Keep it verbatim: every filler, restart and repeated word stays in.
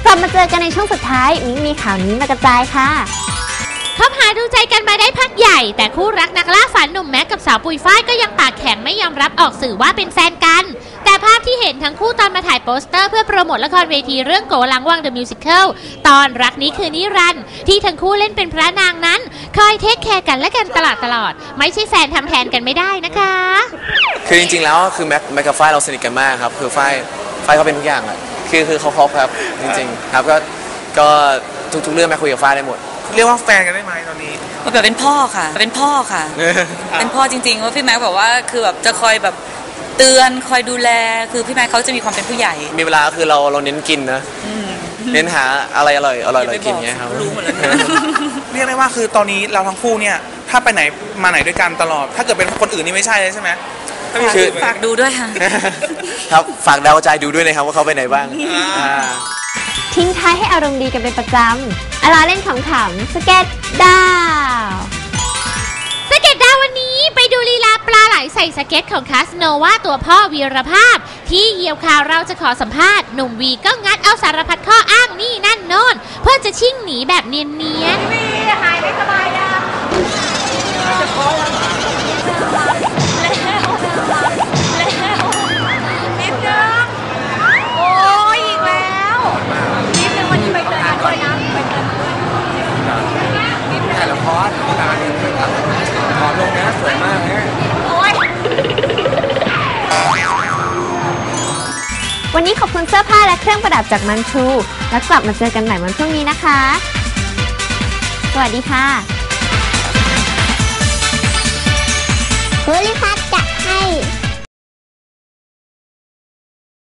กลับมาเจอกันในช่วงสุดท้ายมิ้งมีข่าวนี้มากระจายค่ะคบหาดูใจกันมาได้พักใหญ่แต่คู่รักนักล่าฝันหนุ่มแม็กกับสาวปุยฝ้ายก็ยังปากแข็งไม่ยอมรับออกสื่อว่าเป็นแฟนกันแต่ภาพที่เห็นทั้งคู่ตอนมาถ่ายโปสเตอร์เพื่อโปรโมทละครเวทีเรื่องโกหลังวัง The Musical ตอนรักนี้คือนิรันดร์ที่ทั้งคู่เล่นเป็นพระนางนั้นคอยเทคแคร์กันและกันตลอดตลอดไม่ใช่แฟนทำแทนกันไม่ได้นะคะคือจริงๆแล้วคือแม็กแม็กกับฝ้ายเราสนิทกันมากครับคือฝ้ายฝ้ายเขาเป็นทุกอย่างอะคือคือเขาครบครับจริงๆครับก็ก็ทุกๆเรื่องแม็กคุยกับฝ้ายได้หมดเรียกว่าแฟนกันได้ไหมตอนนี้แบบเป็นพ่อค่ะเป็นพ่อค่ะ เป็นพ่อจริงๆว่าพี่แม็กบอกว่าคือแบบจะคอยแบบเตือนคอยดูแลคือพี่แม็กเขาจะมีความเป็นผู้ใหญ่มีเวลาคือเราเราเน้นกินนะเน้นหาอะไรอร่อยอร่อยกินเงี้ยครับรู้หมดแล้วเรียกได้ว่าคือตอนนี้เราทั้งคู่เนี่ยถ้าไปไหนมาไหนด้วยกันตลอดถ้าเกิดเป็นคนอื่นนี่ไม่ใช่เลยใช่ไหมคือฝากดูด้วยค่ะครับฝากดาวใจดูด้วยนะครับว่าเขาไปไหนบ้างทิ้งท้ายให้อารมณ์ดีกันเป็นประจำอาลาเล่นขำๆสเก็ตดาวสเก็ตดาววันนี้ไปดูลีลาปลาไหลใส่สเก็ตของคาสโนวาตัวพ่อวีรภาพที่เหยี่ยวข่าวเราจะขอสัมภาษณ์หนุ่มวีก็งัดเอาสารพัดข้ออ้างนี่นั่นโน่นเพื่อจะชิ่งหนีแบบเนียนๆวีหายไม่สบายนะจะขอแล้วแล้วแล้วนิดนึงโอ้ยอีกแล้วนิดนึงวันนี้ไปเตือนกันด้วยนะไปเตือนด้วยนิดนึงแต่ละครตาเนี่ยขอลงนะสวยมากเนี่ยโอ้ยวันนี้ขอบคุณเสื้อผ้าและเครื่องประดับจากมันชูแล้วกลับมาเจอกันใหม่วันพรุ่งนี้นะคะสวัสดีค่ะเฮ้ย